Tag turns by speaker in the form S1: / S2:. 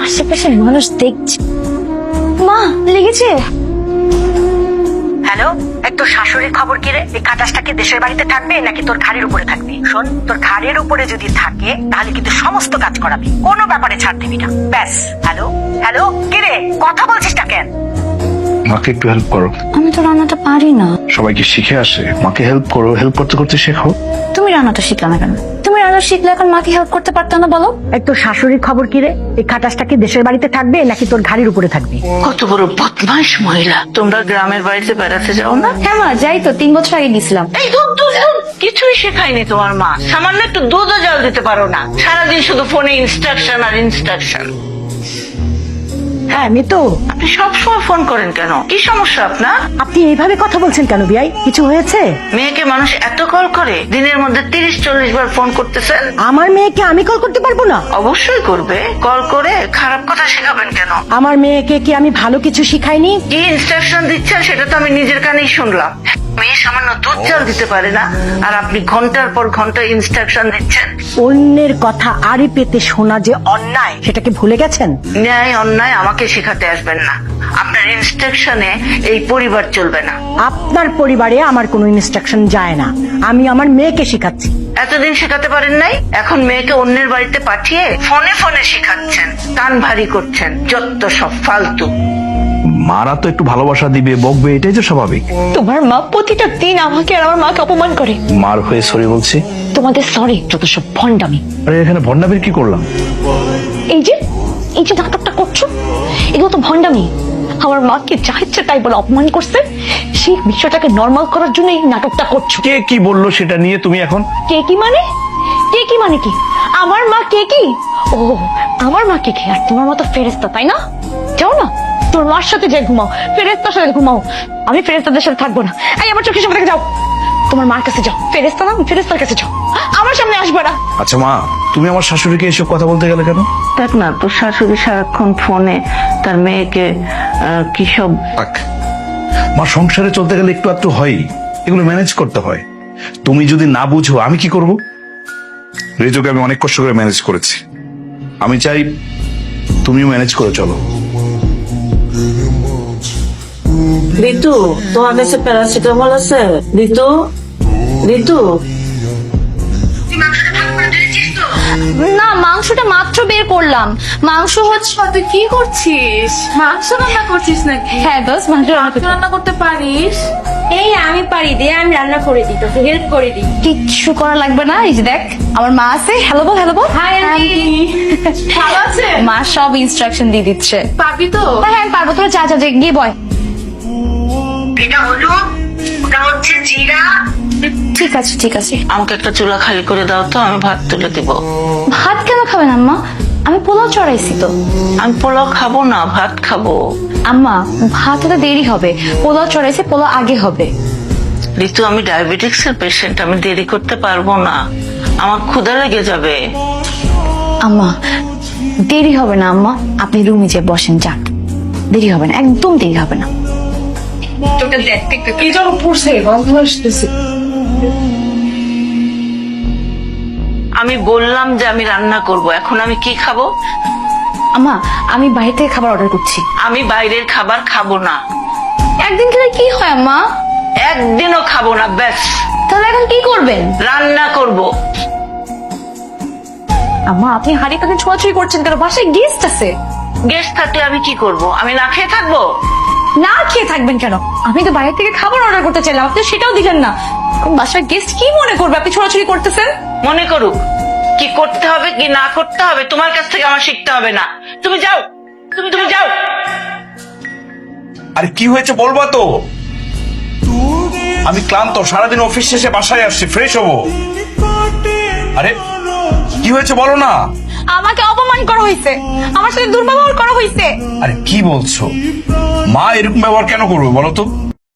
S1: আশেপাশে মানুষ দেখছে। মা লেগেছে?
S2: হ্যালো, তোর শাশুড়ির খবর কি রে? এই খাটাসটা কি দেশের বাড়িতে থাকবে নাকি তোর ঘাড়ের উপরে থাকবে? শোন, তোর ঘাড়ের উপরে যদি থাকে তাহলে কিন্তু সমস্ত কাজ করাবি, কোনো ব্যাপারে ছাড় দিবি না। ব্যাস। হ্যালো হ্যালো, কি রে কথা বলছিস না কেন?
S3: মাকে একটু হেল্প করো।
S1: আমি তো রান্নাটা পারি না।
S3: সবাইকে শিখে আসে, মাকে হেল্প করো, হেল্প করতে করতে শেখো।
S1: তুমি রান্নাটা শিখলে না কেন? তুমি রান্না শিখলে এখন মাকে হেল্প করতে পারতো না বলো?
S2: তোর শাশুড়ির খবর কি রে? এই খাটাসটা কি দেশের বাড়িতে থাকবে নাকি তোর ঘাড়ের উপরে থাকবে?
S4: কত বড় বদমাইশ মহিলা। তোমরা গ্রামের বাড়িতে বেড়াতে যাও না?
S1: হ্যাঁ মা, যাই তো, 3 বছর আগে গেছিলাম।
S4: এই দুধ দুধ দুধ কিছুই শেখায়নি তোমার মা। সামান্য একটু দুধও জল দিতে পারো না, সারাদিন শুধু ফোনে ইনস্ট্রাকশন আর ইনস্ট্রাকশন।
S2: হ্যাঁ মিতু,
S4: আপনি সবসময় ফোন করেন কেন? কি সমস্যা আপনার?
S2: আপনি এইভাবে কথা বলছেন কেন বিয়াই? কিছু হয়েছে?
S4: মেয়েকে মানুষ এত কল করে, দিনের মধ্যে 30-40 বার ফোন করতেছেন।
S2: আমার মেয়েকে আমি কল করতে পারবো না?
S4: অবশ্যই করবে। কল করে খারাপ কথা শেখাবেন কেন?
S2: আমার মেয়েকে কি আমি ভালো কিছু শিখাইনি?
S4: কি ইনস্ট্রাকশন দিচ্ছেন সেটা তো আমি নিজের কানেই শুনলাম। মেয়ে সামান্য দুধ জল দিতে পারে না, আর আপনি ঘন্টার পর ঘন্টা ইনস্ট্রাকশন দিচ্ছেন।
S2: অন্যের কথা আড়ি পেতে শোনা যে অন্যায়, সেটাকে ভুলে গেছেন?
S4: ন্যায় অন্যায় আমাকে শেখাতে আসবেন না। আপনার ইনস্ট্রাকশনে এই পরিবার চলবে না।
S2: আপনার পরিবারে আমার কোনো ইনস্ট্রাকশন যায় না, আমি আমার মেয়েকে শেখাচ্ছি।
S4: এতদিন শেখাতে পারেন নাই, এখন মেয়েকে অন্যের বাড়িতে পাঠিয়ে ফোনে ফোনে শেখাচ্ছেন, কান ভারী করছেন। যত সব ফালতু।
S3: মারা তো একটু ভালোবাসা দিবে, বকবে, এটাই তো স্বাভাবিক।
S1: তোমার মা প্রতিটা দিন আমাকে আর আমার মাকে অপমান করে।
S3: মার হয়ে সরি বলছি।
S1: তোমাদের সরি যত সব ভণ্ডামি।
S3: আরে এখানে ভন্ডামির কি করলাম?
S1: এই যে নাটকটা করছো, এগুলো তো ভণ্ডামি। আমার মাকে যা ইচ্ছে তাই বলে অপমান করছে, সেই বিষয়টাকে নর্মাল করার জন্য এই নাটকটা করছো।
S3: কে কি বললো সেটা নিয়ে তুমি এখন?
S1: কে কি মানে? কে কি মানে কি? আমার মা কে কি? ও, আমার মা কে কি? আর তোমার মতো ফেরেস্তা, তাই না? যাও না, তোর মার সাথে যে ঘুমাও, ফেরেস্তার সাথে ঘুমাও। আমি ফেরেস্তাদের সাথে থাকবো না। এই আমার চোখের সামনে থেকে যাও, তোমার মার কাছে যাও। ফেরেস্তা না, ফেরেস্তার কাছে যাও, আমার সামনে আসবে না।
S3: আচ্ছা মা, তুমি আমার শাশুড়িকে এসব কথা বলতে গেলে কেন?
S4: দেখ না, তোর শাশুড়ি সারাক্ষণ ফোনে তার মেয়েকে কি সব।
S3: থাক, মা সংসারে চলতে গেলে একটু একটু হয়, এগুলো ম্যানেজ করতে হয়। তুমি যদি না বুঝো আমি কি করব? রেজোকে আমি অনেক কষ্ট করে ম্যানেজ করেছি, আমি চাই তুমিও ম্যানেজ করে চলো।
S4: ঋতু, তোমার কাছে প্যারাসিটামল আছে? ঋতু, ঋতু।
S1: না, মাংসটা মাত্র বের করলাম। মাংস হচ্ছে।
S5: তুই কি করছিস? মাংস রান্না করছিস নাকি?
S1: হ্যাঁ দোষ, মাংস রান্না করতে
S5: রান্না করতে পারিস?
S1: এই আমি পারি, দে আমি রান্না করে দিই, তোকে হেল্প করে দিই। কিচ্ছু করা লাগবে না। এই যে দেখ, আমার মা আছে। হ্যালো বল, হ্যালো বল।
S5: হাই আন্টি, ভালো আছে?
S1: মা সব ইনস্ট্রাকশন দিয়ে দিচ্ছে।
S5: পাবি তো?
S1: হ্যাঁ হ্যাঁ, আমি পারবো। তোরা যা যা, গিয়ে বয়।
S2: এটা হলো, ওটা হচ্ছে জিরা।
S1: ঠিক আছে ঠিক আছে।
S4: আমাকে একটা চুলা খালি করে দাও তো, আমি ভাত তুলে দিব।
S1: ভাত কেন খাবেন আম্মা? আমি পোলাও চড়াইছি তো।
S4: আমি পোলাও খাবো না, ভাত খাবো।
S1: আম্মা, ভাত হতে দেরি হবে, পোলাও চড়াইছে, পোলাও আগে হবে।
S4: ঋতু, আমি ডায়াবেটিক্স এর পেশেন্ট, আমি দেরি করতে পারবো না, আমার ক্ষুধা লেগে যাবে।
S1: আম্মা, দেরি হবে না আম্মা, আপনি রুমে যে বসেন, যান। দেরি হবে না, একদম দেরি হবে না।
S5: তোকে দেখতে কি যেন পড়ছে, গন্ধ আসতেছে।
S4: আমি বললাম যে আমি রান্না করব, এখন আমি কি খাবো?
S1: আম্মা, আমি বাইরে থেকে খাবার অর্ডার করছি।
S4: আমি বাইরের খাবার খাবো না,
S1: একদিন খেলে কি হয় আম্মা?
S4: একদিনও খাবো না, ব্যাস।
S1: তাহলে এখন কি করবেন?
S4: রান্না করব।
S1: আম্মা, আপনি হাড়ি কাকে ছোঁয়াছুঁই করছেন কেন? বাসায় গেস্ট আছে।
S4: গেস্ট থাকলে আমি কি করব? আমি না খেয়ে থাকবো?
S1: না খেয়ে থাকবেন কেন? আমি তো বাইরে থেকে খাবার অর্ডার করতে চাইলাম, আপনি সেটাও দিলেন না। এখন বাসায় গেস্ট কি মনে করবে আপনি ছোঁয়াছুঁই করতেছেন?
S4: মনে করুক, কি করতে হবে কি না করতে হবে তোমার কাছ থেকে আমার শিখতে হবে না। তুমি যাও, তুমি যাও।
S3: আরে কি হয়েছে বলবা তো? আমি ক্লান্ত, সারাদিন অফিস শেষে বাসায় আসছি, ফ্রেশ হবো। আরে কি হয়েছে বলো না?
S1: আমাকে অপমান করা হয়েছে, আমার সাথে দুর্ব্যবহার করা হয়েছে।
S3: আরে কি বলছো? মা এরকম ব্যবহার কেন করবে বলো তো?